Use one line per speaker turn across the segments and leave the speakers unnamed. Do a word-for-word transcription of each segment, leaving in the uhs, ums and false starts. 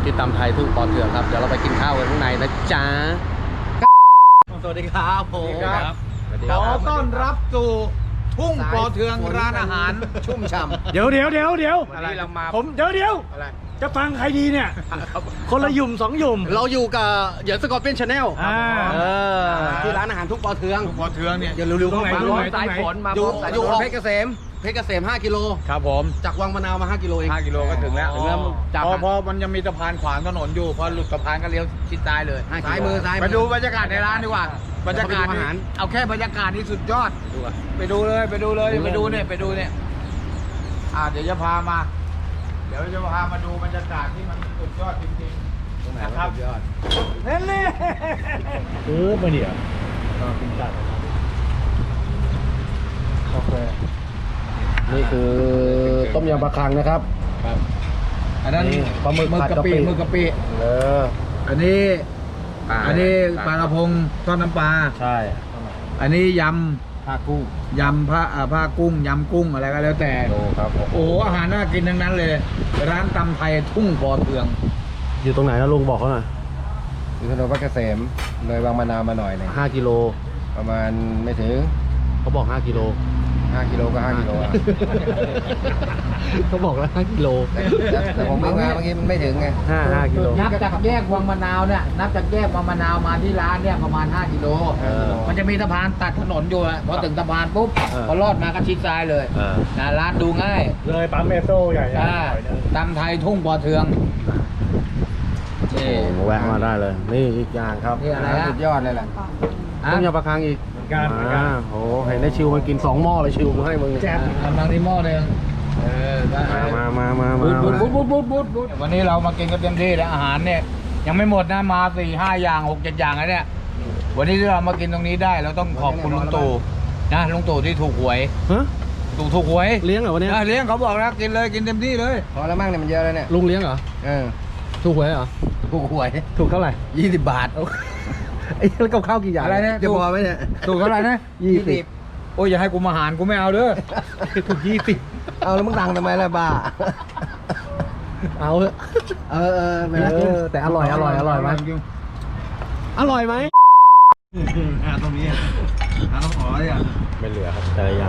ที่ตำไทยทุ่งปอเทืองครับเดี๋ยวเราไปกินข้าวกันข้างในนะจ๊ะสวัสดีครับผม
ขอต้อนรับสู่ทุ่งปอเทืองร้านอาหารชุ่มฉ่ำ
เดี๋ยวเดี๋ยวเดี๋ยวเดี๋ยว
วันนี้เรามา
ผมเดี๋ยวเดี๋ยวจะฟังใครดีเนี่ยคนละหยุ่มสองหยุ่ม
เราอยู่กับเหยินสกอร์เปียนชาแนล
อ่า
เออที่ร้านอาหารทุ่งปอเทือง
ปอเทืองเนี่ย
อย่าลืมๆเข้ามา
ตรงไหน
สายฝนมา
อยู่
อยู่
อยู่
เพชรเกษมเพชรเกษมห้ากิโล
ครับผม
จากวังมะนาวมาห้ากิโลเอง
ห้ากิโลก็ถึงแล้ว
ถึงแล้วจาก
พอพอมันยังมีสะพานขวางถนนอยู่พอหลุดสะพานก็เลี้ยวชิดซ้ายเลย
ซ้ายมือซ้ายมือ
ไปดูบรรยากาศในร้านดีกว่าบรรยากาศ
ไปดูอาหาร
เอาแค่บรรยากาศนี่สุดยอด
ดูอ่ะ
ไปดูเลยไปดูเลย
ดูเลย
ไปดูเนี่ยไปดูเนี่ยอ่าเดี๋ยวจะพามา เดี๋ยวจะพามาดูบรรยากาศที่มันสุดยอดจริงๆนะครับ
ยอด
เล่นเลย
เออมาเดี๋ยวกินจัดกาแฟ
นี่คือต้มยำปลาคังนะครับ
ครับอันนั้น
นี่ปลาหมึกผัดกะปิ
หมึกกะปิ
เออ
อันนี้
ปลา
อันนี้ปลากระพงทอดน้ำปลา
ใช่
อันนี้ย
ผ้ากุ้ง
ำยำผ้าอ่าผ้ากุ้งยำกุ้งอะไรก็แล้วแต่
ดูครับ
โอ้โหอาหารน่ากินทั้งนั้นเลย ร้านตำไทยทุ่งปอเทือง
อยู่ตรงไหนนะลุงบอกเขาหน่อย
อยู่ถนนเพชรเกษมเลยบางมะนาวมาหน่อยหนึง
ห้ากิโล
ประมาณไม่ถึง
เขาบอกห้ากิโล
ห้ากิโลก็ห้ากิโลอะ
เขาบอกแล้วห้ากิโล
แต่แต่แต่ผมวิ่งมาเมื่อกี้มันไม่ถึงไง
ห้าห้ากิโล
นับจากแยกวังมะนาวเนี่ยนับจากแยกวังมะนาวมาที่ร้านเนี่ยประมาณห้ากิโล
เออ
มันจะมีสะพานตัดถนนอยู่อะพอถึงสะพานปุ๊บ
เออ
พอลอดมาก็ชิดซ้ายเลย
เออ
นะร้านดูง่าย
เลยปั๊มเมโซ่ใหญ่
อ่าตำไทยทุ่งปอเทืองนี่
แวะมาได้เลย นี่อีกอย่างครับ
นี่อะไรฮะ
สุดยอดเลยแหละ
ต้มยำปลาคังอีก
การเหมือนกัน
อ่าโหเห็นได้ชิวมันกินสองหม้อเลยชิวมาให้มึง
แจ๊บ
กำลังที่หม้อหนึ่งเออได้
มามามามา
บูด
มา
บูดบูดบูดบูดบูดวันนี้เรามากินกันเต็มที่แล้วอาหารเนี่ยยังไม่หมดนะมาสี่ห้าอย่างหกเจ็ดอย่างแล้วเนี่ยวันนี้ที่เรามากินตรงนี้ได้เราต้องขอบคุณลุงตู่นะลุงตู่ที่ถูกหวย
ฮะ
ตู่ถูกหวย
เลี้ยงเหรอวันนี้
อ่ะเลี้ยงเขาบอกแล้วกินเลยกินเต็มที่เลย
พอแล้วมั่งเนี่ยมันเยอะแล้วเนี่ย
ลุงเลี้ยงเหรอ
เออ
ถูกหวยเหรอ
ถูกหวย
ถูกเท่าไหร่
ยี่สิบบาท
ไอ้แล้วกับข้าวกี่อย่าง
อะไรนะ
จะพอไหมเนี่ย
ถูกเท่าไหร่นะ
ยี่สิบ
โอ้ยอย่าให้กูมาหารกูไม่เอาเด้อ
ถูกยี่สิบ
เอาแล้วมึงดังทำไมล่ะบ้า
เอาเถอะ
เออเออไป
เอ
แล้ว
อแต่อร่อยอร่อยอร่อยไหมอร่อยไหม
อ่าตรงนี้อ่าต้องขอเลยอ่ะ
ไม่เหลือครับแต่ละอย่าง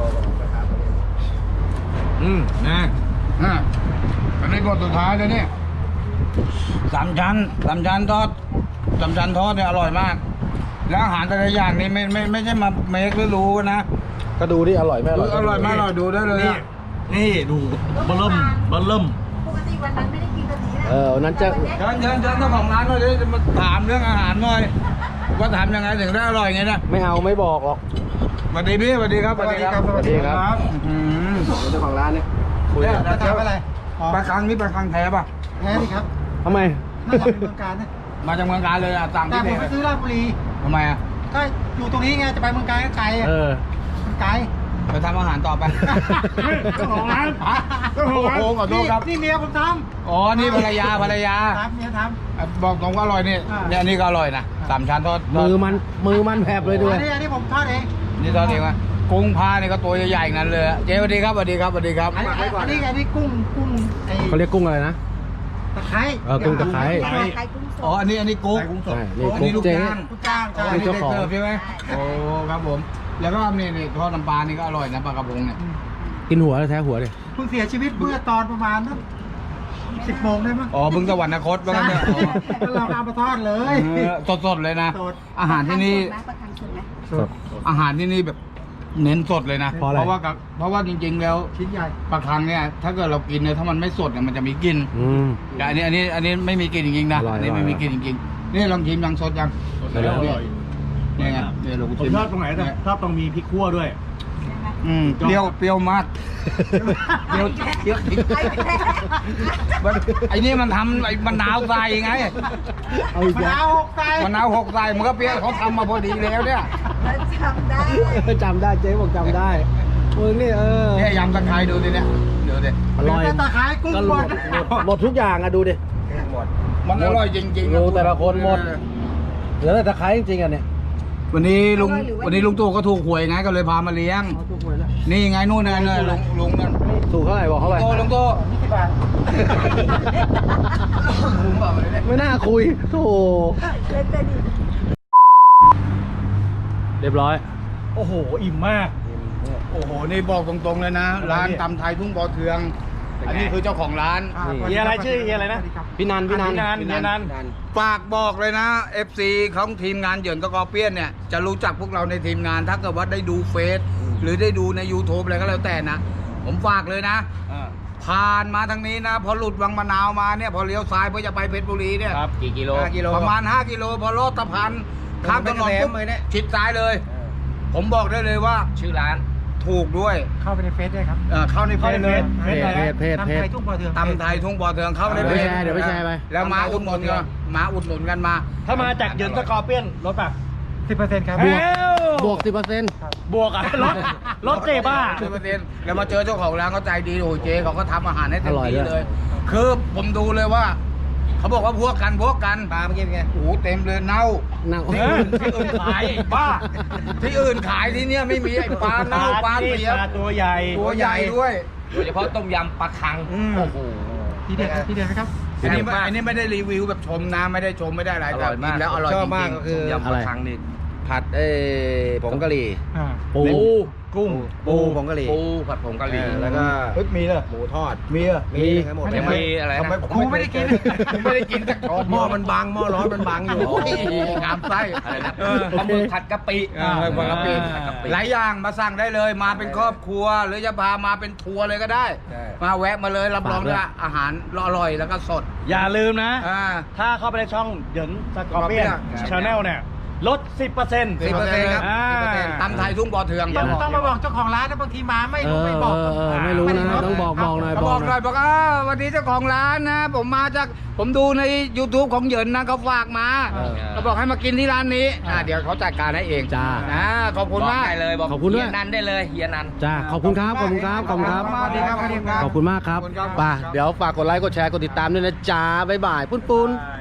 อืมนะอ่ะอันนี้บทสุดท้ายเลยเนี่ยสามชั้นสามชั้นทอดสามชั้นทอดเนี่ยอร่อยมาก แล้วอาหารแต่ละอย่างนี่ไม่ไม่ไม่ใช่มาเมคหรือรู้นะ
ก็ดูดิอร่อยไหม
อร่อยมากอร่อยดูได้เลย
นี่
อะ
นี่ดูเบลเริ่มเบลเริ่ม
ปกติวันนั้นไม่ได้กินแบบนี้นะ
เออวันนั้นจะ
เชิญเชิญเชิญเจ้าของร้านหน่อยดิจะมาถามเรื่องอาหารหน่อยว่าทำยังไงถึงได้อร่อยไงนะ
ไม่เอาไม่บอกหรอก
สวัสดีพี่สวัสดีครับสวัสดีครับ
สวัสดีครับ
อืม
เจ้าของร้านเนี่ย
คุย
เนี่ย
กัน
จะทำอะไรปลาคังนี่ปลาคังแท้ป่ะ
แพ้ดิครับ
ทำไม
น่าจะเป็นเมืองการนะ
มาจากเมืองการเลยอ่ะสั่ง
แต่
ที่
ผ
ไหน
มไปซื้อราชบุรี
ทำไมอ่ะ
ก็อยู่ตรงนี้ไง จะไปเมืองการก็ไกลอ่ะ
เออ
มันไกล
ไปทำอาหารต่อไป
เจ้าของร้าน
ฮะ
เจ้าของร้าน
โอ้โหขอโทษครับ
นี่เมียผมท
อ๋อ นี่ภรรยาภรรยา
ำครับเมียท
อ่ะบอกตรงว่าอร่อยนี่
อ่า
เนี่ยอันนี่ก็อร่อยนะสามชั้นทอดทอด
มือมันมือมันแผลบ
ำ
เลยด้วย
อันนี้อันนี้ผมทอดเอง
นี่ทอดเองวะกุ้งพานี่ก็ตัวใหญ่ๆอย่างนั้นเลยอะเจ๊สวัสดีครับสวัสดีครับสวัสดีครับ
อันนี้อันนี้อันนี้กุ้งกุ้งไอ้
เขาเรียกกุ้งอะไรนะ
ตะไคร้
เออกุ้งตะไคร้
ใครใครกุ้งส
อ๋อ
ด
อันนี้อันนี้กุ๊ก
ใช่นี่
อัน
กุ้
นี้
ง
ลูก
เจ๊
จ้าง
ลูกจ้าง
อ๋อ
จ้า
อันนี้
เจ้า
เด็ก
ของ
เสิร์ฟใช่ไหมโอ้ครับผม แล้วก็นี่นี่ทอดน้ำปลานี่ก็อร่อยนะปลากระพงเนี่ย
กินหัวแล้วแท้หัวดิ
เพิ่งเสียชีวิตเมื่อตอนประมาณนั้นสิบโมงได้มั้ง
อ๋อบึงสวรรคตว่างั้นเนี่ยอ๋อ
แล้วเราเอามาทอดเลย
เออสดๆเลยนะ
สด
อาหารที่นี่
ประคังสดไหม
สด
อาหารที่นี่แบบเน้นสดเลยนะ
เพราะอะไร
ว่ากับเพราะว่าจริง ๆ แล้ว
ชิ้นใหญ่
ปลาคังเนี่ยถ้าเกิดเรากินเนี่ยถ้ามันไม่สดเนี่ยมันจะมีกลิ่น
อืม
แต่อันนี้อันนี้อันนี้ไม่มีกลิ่นจริงๆนะ
อร่อย
อันนี้
อร่อย
ไม่มีกลิ่นจริงๆนี่ลองชิมยังสดยัง
อร่อย
เนี่ยเนี่ยไงเนี่ยเรา
ผม
ชิม
ชอบตรงไหนแต่ชอบตรงมีพริกขั่วด้วย
อืมเปรี้ยวเปรี้ยวมากเปรี้ยวเปรี้ยวพริก
ไอ้แพ้
มันไอ้นี่มันทำไอ้มะนาวใส่ไง
เอาอีก
มะ
แล้ว
นาวหกไก่
มะนาวหกใส่มันก็เปรี้ยวเขาทำมาพอดีแล้วเนี่ย
แล้วจำได้
จำได้เจ๊บอกจำได้มึงนี่เออ
เนี่ยยำตะไคร้ดูดิเนี่ยเดี๋ยวดิ
อร่อย
เป็นตะไคร้กุ้ง
ก็
บ
หม
ด
ดหมดหมดทุกอย่างอะดูดิ
มันอร่อยจริงๆ
ดูแต่ละคนหมด เหลือแต่ตะไคร้จริงๆอ่ะเนี่ย
วันนี้ลุงวันนี้ลุงตู่ก็ถูกหวยไงก็เลยพามาเลี้ยง
เอาตัวหวยแล้ว
นี่ไงนู่นน่ะเนี่ยลุงลุงนั่น
ถูกเท่าไหร่บอกเขาไป
โตลุงโต
นี่แค่สิบบาท
ไม่น่าคุยโธ่
เล่นแต่ดี
เรียบร้อย โอ้โห อิ่มมาก
โอ้โห นี่บอกตรงๆเลยนะ ร้านตำไทยทุ่งปอเทือง อันนี้คือเจ้าของร้าน
เฮียอะไรชื่อเฮียอะไรนะ
พี่นันพี่นัน
พี่นัน
พี่
เฮียนัน
ฝากบอกเลยนะ เอฟ ซี ของทีมงานเหยินกกอเปี้ยนเนี่ย จะรู้จักพวกเราในทีมงาน ถ้าเกิดว่าได้ดูเฟซหรือได้ดูใน YouTube อะไรก็แล้วแต่นะ ผมฝากเลยนะ ผ่านมาทางนี้นะ พอหลุดวังมะนาวมาเนี่ย พอเลี้ยวซ้ายเพื่อจะไปเพชรบุรีเนี่ย
ครับ
กี่กิโล
ห้ากิโลประมาณ ห้า กิโล พอลอดสะพานข้ามถนนปุ๊บชิดซ้ายเลย ผมบอกได้เลยว่า
ชื่อร้าน
ถูกด้วย
เข้าไปในเฟซด้วยครับ
เอ่อเข้าในเพ
เข้า
จ
ใน
เลย
เพจ
เพจเพจเพจ
ตำ
เพ
ไท
จ
ยทุ่งปอเทือง
ตำไทยทุ่งบ่อเทืองเข้าใน
เดี๋ยว
เพ
ไป
จ
แชร์เดี๋ยวไปแชร์ไป
แล้วมาอุดหนุนกันมาอุดหนุนกันมา
ถ้ามาจากเหยินสกอร์เปียนลดป่ะ
สิบเปอร์เซ็นต์ครับ
เอ้า
บวกสิบเปอร์เซ็นต์
บวกอ่ะลดลดเจ๊บ้า
สิบเปอร์เซ็นต์แล้วมาเจอเจ้าของร้านเขาใจดีโอ้ยเจ๊เขาก็ทำอาหารให้เต็ม
อร่อย
ที่
ด้วย
เลย คือผมดูเลยว่า เขาบอกว่าพวกกันพวกกัน
ปลาเมื่อกี้เป็นไง
โอ้โหเต็มเลยเน่า
นั่ง
ที่อื่นที่อื่นขายไอ้บ้า ที่อื่นขายที่เนี้ยไม่มีไอ้ปลาเน่าปลาเสีย
ปลาตัวใหญ่
ตัวใหญ่ด้วย
โดยเฉพาะต้มยำปลาคัง
อืม
โอ้โห
ทีเด็ดทีเด็ดไหมครับ
อันนี้ไม่อันนี้ไม่ได้รีวิวแบบชมนะไม่ได้ชมไม่ได้อะไร
อร่อยมาก
แต่นแล้วอร่อย
ช
จ
อบมาก
ริง
ก็คือ
ต้มยำปลาคังนี่
ผัดเอ้ผงกะหรี่
อ่า
ปู
กุ้ง
ปูผงกะหรี่
ปูผัดผงกะหรี่
อ่าแล้วก็
ๆเฮ้ยมีเลย
หมูทอด
มีเหรอ
มีทั้งหมด
ยังมีอะไร
ทำไม
นะ
ผมไม่ได้กินผมไม่ได้กินจากช้อน
หม้อมันบางหม้อร้อนมันบางอยู่
โอ้ยงามไส้
อะไรนะ
เออ
ปลาหมึกผัดกะปิ
เออปลากระปิ
ผัดกะปิ
หลายอย่างมาสั่งได้เลย มาเป็นครอบครัว หรือจะพามาเป็นทัวร์เลยก็ได้
ใช่
มาแวะมาเลยรับรองว่าอาหารอร่อยแล้วก็สด
อย่าลืมนะ
อ่า
ถ้าเข้าไปในช่องเหยินสกอร์เปียน
ครับ
ชาแนลเนี่ยลด สิบเปอร์เซ็นต์
สิบเปอร์เซ็นต์ครับ
อ่า
สิบเปอร์เซ็นต์ตำไทยทุ่งบ่อเทือง
ต้องต้องมาบอกเจ้าของร้านนะบางทีมาไม่
เอ
รู้
อ
ไม่บอก
เออเออไม่รู้นะต้องบอกบอกหน่อย
เขา
บบ อ
อก ก
ห
ห
น่
น่
อ
อย ยบอกอ่าวันนี้เจ้าของร้านนะ ผมมาจากผมดูใน YouTube ของเหยินนะเขาฝากมา
เออ
เขาบอกให้มากินที่ร้านนี้อ่าเดี๋ยวเขาจัดการให้เอง
จ้า
นะขอบคุณมาก
ได้เลยบอกขอบคุณด้วยเฮียนันได้เลยเฮียนัน
จ้า
ขอบคุณครับขอบคุณครับขอบคุณครับ
สวัสดีครับสวัสดีครับ
ขอบคุณมากครับ
ขอบคุณครับ
ไป่ะเดี๋ยวฝากกดไลค์กดแชร์กดติดตามด้วยนะจ้าบ๊ายบายปุ้นปุ้น
อ่า